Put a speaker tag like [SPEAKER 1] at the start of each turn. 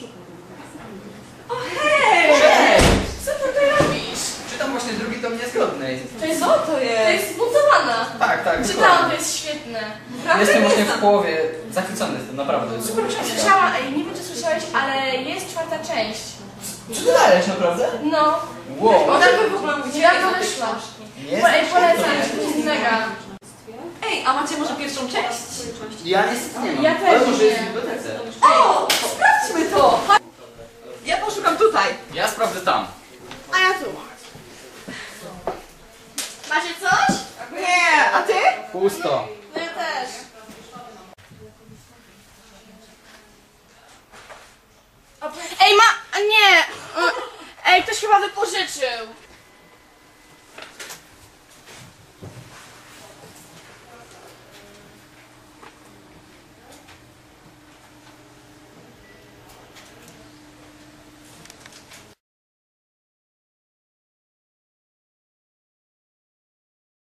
[SPEAKER 1] O hej!
[SPEAKER 2] Cześć!
[SPEAKER 1] Co ty tutaj robisz?
[SPEAKER 2] Czytam właśnie drugi tom Niezgodnej.
[SPEAKER 1] Co to jest? To jest zbudowana.
[SPEAKER 2] Tak, tak.
[SPEAKER 1] Czytałam, to jest świetne.
[SPEAKER 2] Jestem właśnie w połowie. Zachwycony jestem, naprawdę. Super książka.
[SPEAKER 1] Słyszałam, nie wiem czy słyszałeś, ale jest czwarta część.
[SPEAKER 2] Czy ty dajesz, naprawdę?
[SPEAKER 1] No.
[SPEAKER 2] Wow.
[SPEAKER 1] Ona by w ogóle udziela to wyszła. Ej, polecam, to jest mega.
[SPEAKER 3] Ej, a macie może pierwszą część?
[SPEAKER 2] Ja niestety nie mam.
[SPEAKER 1] Ja też
[SPEAKER 2] Ale może
[SPEAKER 1] nie.
[SPEAKER 2] jest w bibliotece.
[SPEAKER 3] O, sprawdźmy to! Ja poszukam tutaj.
[SPEAKER 2] Ja sprawdzę tam.
[SPEAKER 1] A ja tu. Macie coś?
[SPEAKER 3] Nie, a ty?
[SPEAKER 2] Pusto.
[SPEAKER 1] No ja też. Ej, nie! Ej, ktoś chyba wypożyczył.